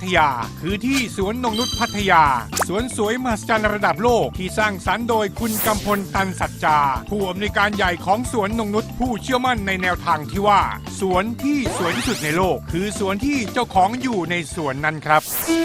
ยาคือที่สวนนงนุชพัทยาสวนสวยมหัศจรรย์ระดับโลกที่สร้างสรรค์โดยคุณกำพลตันสัจจาผู้อำนวยการใหญ่ของสวนนงนุชผู้เชื่อมั่นในแนวทางที่ว่าสวนที่สวยที่สุดในโลกคือสวนที่เจ้าของอยู่ในสวนนั้นครับ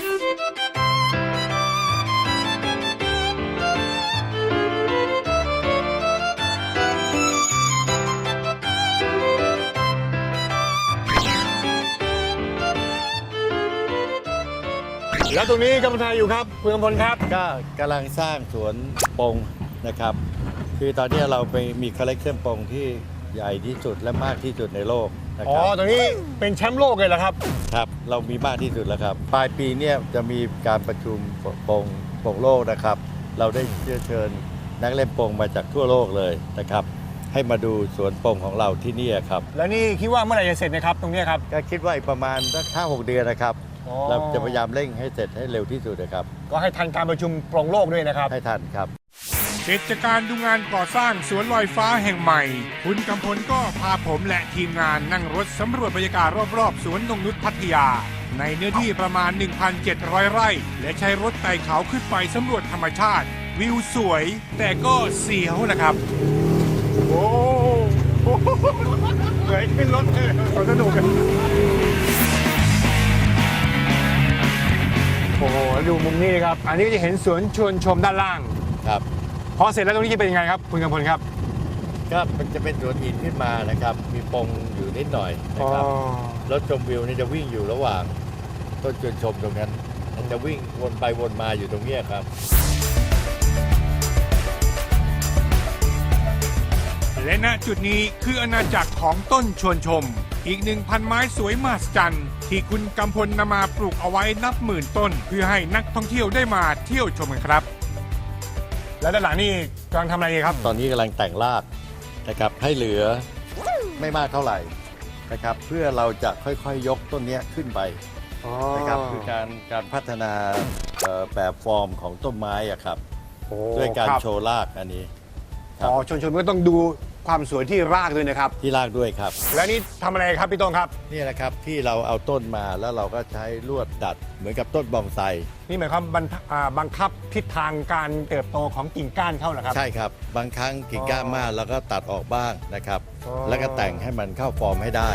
แล้วตรงนี้กำลังทำอะไรอยู่ครับคุณกำพลครับก็กำลังสร้างสวนปงนะครับคือตอนนี้เราไปมีคอลเลกชันปงที่ใหญ่ที่สุดและมากที่สุดในโลกนะครัตรงนี้เป็นแชมป์โลกเลยเหรอครับครับเรามีมากที่สุดแล้วครับปลายปีนี้จะมีการประชุมปงโลกนะครับเราได้เชิญนักเล่นปงมาจากทั่วโลกเลยนะครับให้มาดูสวนปงของเราที่นี่ครับแล้วนี่คิดว่าเมื่อไหร่จะเสร็จนะครับตรงนี้ครับก็คิดว่าอีกประมาณสัก5-6 เดือนนะครับเราจะพยายามเร่งให้เสร็จให้เร็วที่สุดนะครับก็ให้ทันการประชุมปงโลกด้วยนะครับให้ทันครับเสร็จจากการดูงานก่อสร้างสวนลอยฟ้าแห่งใหม่คุณกำพลก็พาผมและทีมงานนั่งรถสำรวจบรรยากาศรอบๆสวนนงนุชพัทยาในเนื้อที่ประมาณ 1,700 ไร่และใช้รถไต่เขาขึ้นไปสำรวจธรรมชาติวิวสวยแต่ก็เสียวนะครับโอ้เหมือนขึ้นรถเลยสนุกกันโอ้โหดูมุมนี้ครับอันนี้จะเห็นสวนชวนชมด้านล่างครับพอเสร็จแล้วตรงนี้จะเป็นยังไงครับคุณกำพลครับก็มันจะเป็นสวนหินขึ้นมานะครับมีปงอยู่นิดหน่อยนะครับรถชมวิวนี่จะวิ่งอยู่ระหว่างต้นชวนชมตรงนั้นมันจะวิ่งวนไปวนมาอยู่ตรงนี้ครับและณจุดนี้คืออาณาจักรของต้นชวนชมอีก 1,000 ไม้สวยมหัศจรรย์ที่คุณกำพลนำมาปลูกเอาไว้นับหมื่นต้นเพื่อให้นักท่องเที่ยวได้มาเที่ยวชมกันครับแล้วด้านหลังนี่กำลังทำอะไรครับตอนนี้กำลังแต่งรากนะครับให้เหลือไม่มากเท่าไหร่นะครับเพื่อเราจะค่อยๆยกต้นนี้ขึ้นไปนะครับคือการพัฒนาแบบฟอร์มของต้นไม้อะครับด้วยการโชว์รากอันนี้ชนก็ต้องดูความสวยที่รากด้วยนะครับที่รากด้วยครับแล้วนี่ทำอะไรครับพี่ต้นครับนี่แหละครับที่เราเอาต้นมาแล้วเราก็ใช้ลวดดัดเหมือนกับต้นบอนไซนี่หมายความบังคับทิศทางการเติบโตของกิ่งก้านเขาเหรอครับใช่ครับบางครั้งกิ่งก้านมากแล้วก็ตัดออกบ้างนะครับแล้วก็แต่งให้มันเข้าฟอร์มให้ได้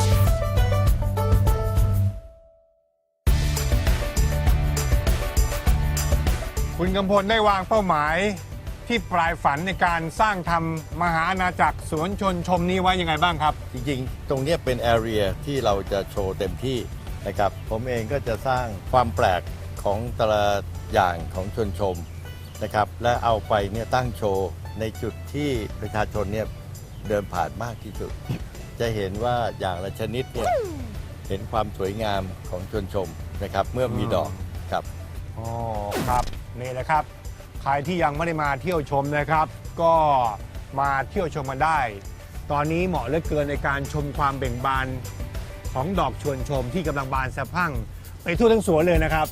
คุณกำพลได้วางเป้าหมายที่ปลายฝันในการสร้างทำมหาอาณาจักรสวนชนชมนี้ไว้ยังไงบ้างครับจริงๆตรงนี้เป็นแอเรียที่เราจะโชว์เต็มที่นะครับผมเองก็จะสร้างความแปลกของแต่ละอย่างของชนชมนะครับและเอาไปเนี่ยตั้งโชว์ในจุดที่ประชาชนเนี่ยเดินผ่านมากที่สุดจะเห็นว่าอย่างละชนิดเนี่ยเห็นความสวยงามของชนชมนะครับเมื่อมีดอกครับอ๋อครับนี่แหละครับใครที่ยังไม่ได้มาเที่ยวชมนะครับ ก็มาเที่ยวชมมาได้ ตอนนี้เหมาะเหลือเกินในการชมความเบ่งบานของดอกชวนชมที่กำลังบานสะพรั่งไปทั่วทั้งสวนเลยนะครับ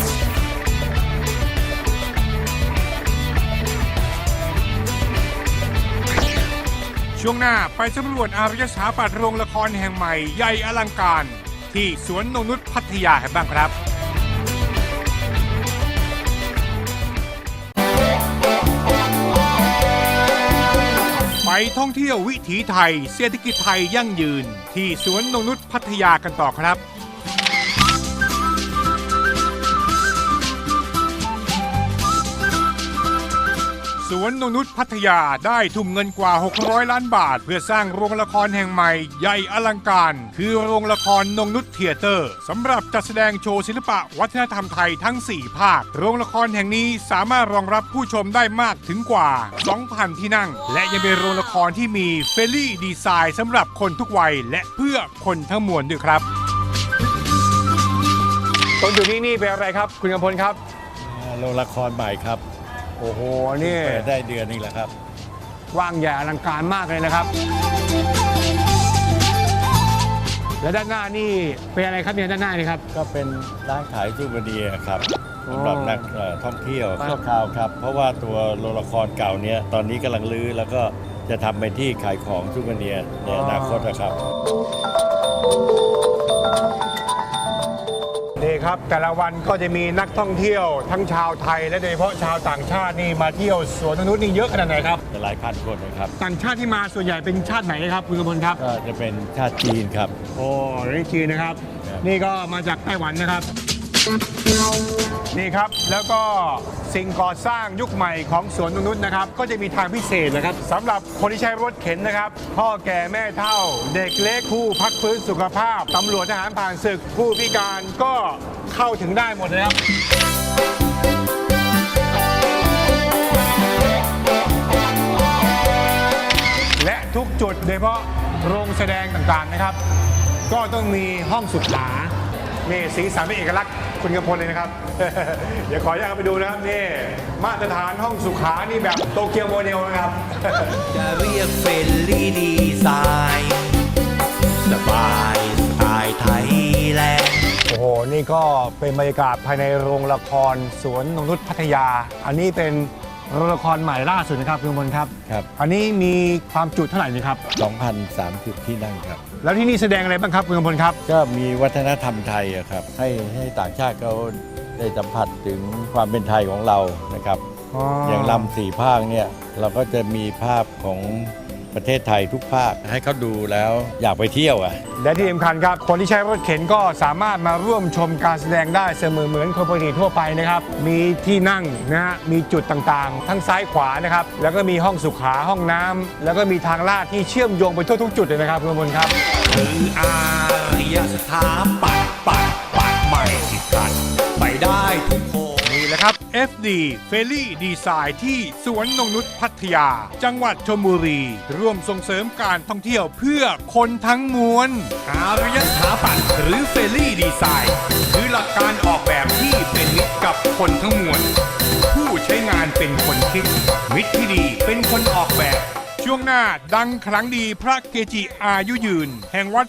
ช่วงหน้าไปสำรวจอารยสถาปัตย์โรงละครแห่งใหม่ใหญ่อลังการที่สวนนงนุชพัทยากันบ้างครับไปท่องเที่ยววิถีไทยเศรษฐกิจไทยยั่งยืนที่สวนนงนุชพัทยากันต่อครับสวนนงนุชพัทยาได้ทุ่มเงินกว่า600 ล้านบาทเพื่อสร้างโรงละครแห่งใหม่ใหญ่อลังการคือโรงละครนงนุชเธียเตอร์สำหรับจัดแสดงโชว์ศิลปะวัฒนธรรมไทยทั้ง4ภาคโรงละครแห่งนี้สามารถรองรับผู้ชมได้มากถึงกว่า 2,000 ที่นั่งและยังเป็นโรงละครที่มีเฟรนลี่ดีไซน์สำหรับคนทุกวัยและเพื่อคนทั้งมวลด้วยครับตรงจุดนี้นี่เป็นอะไรครับคุณกำพลครับโรงละครใหม่ครับโอ้โหนี่เปิดได้เดือนนึงแล้วครับกว้างใหญ่อลังการมากเลยนะครับและด้านหน้านี่เป็นอะไรครับเนี่ยด้านหน้านี่ครับก็เป็นร้านขายซูเวเนียร์ครับสำหรับนักท่องเที่ยวชั่วคราวครับเพราะว่าตัวโรงละครเก่านี้ตอนนี้กำลังรื้อแล้วก็จะทำเป็นที่ขายของซูเวเนียร์ในอนาคตนะครับนี่ครับแต่ละวันก็จะมีนักท่องเที่ยวทั้งชาวไทยและโดยเฉพาะชาวต่างชาตินี่มาเที่ยวสวนนกนุชนี่เยอะขนาดไหนครับหลายพันคนนะครับต่างชาติที่มาส่วนใหญ่เป็นชาติไหนครับคุณกมลครับก็จะเป็นชาติจีนครับโอ้นี่จีนนะครับ นี่ก็มาจากไต้หวันนะครับ นี่ครับแล้วก็สิ่งก่อสร้างยุคใหม่ของสวนนกนุชนะครับ ก็จะมีทางพิเศษนะครับสำหรับคนที่ใช้รถเข็นนะครับพ่อแก่แม่เฒ่า เด็กเล็กผู้พักฟื้นสุขภาพตำรวจทหารผ่านศึกผู้พิการก็เข้าถึงได้หมดเลยครับ และทุกจุดโดยเฉพาะโรงแสดงต่างๆนะครับ ก็ต้องมีห้องสุขานี่สีสันเป็นเอกลักษณ์คุณกำพลเลยนะครับ เดี๋ยวขออนุญาตไปดูนะครับนี่มาตรฐานห้องสุขานี่แบบโตเกียวโมเดลนะครับจะเรียกเฟรนลี่ดีไซน์สบายสไตล์ไทยแลนด์โอ้โห นี่ก็เป็นบรรยากาศภายในโรงละครสวนนกนุชพัทยา อันนี้เป็นโรงละครใหม่ล่าสุดนะครับคุณกำพลครับครับอันนี้มีความจุเท่าไหร่นี่ครับ 2,030 ที่นั่งครับแล้วที่นี่แสดงอะไรบ้างครับคุณกำพลครับก็มีวัฒนธรรมไทยอะครับ ให้ต่างชาติเขาได้สัมผัสถึงความเป็นไทยของเรานะครับ อย่างลำสี่ภาคเนี่ยเราก็จะมีภาพของประเทศไทยทุกภาคให้เขาดูแล้วอยากไปเที่ยวอ่ะและที่สำคัญครับ คนที่ใช้รถเข็นก็สามารถมาร่วมชมการแสดงได้เสมอเหมือนคนปกติทั่วไปนะครับ มีที่นั่งนะฮะ มีจุดต่างๆ ทั้งซ้ายขวานะครับ แล้วก็มีห้องสุขาห้องน้ำแล้วก็มีทางลาดที่เชื่อมโยงไปทั่วทุกจุดเลยนะครับคุณมนครับคืออารยสถาปัตย์ใหม่ที่กัดไปได้ทุกคนนี่แหละครับ FD f e r r y Design ที่สวนนงนุชพัทยา จังหวัดชลบุรี ร่วมส่งเสริมการท่องเที่ยวเพื่อคนทั้งมวลอารยสถาปัตย์หรือเฟรนลี่ดีไซน์คือหลักการออกแบบที่เป็นมิตรกับคนทั้งมวล ผู้ใช้งานเป็นคนคิด มิตรที่ดีเป็นคนออกแบบช่วงหน้าดังครั้งดีพระเกจิอายุยืน แห่งวัด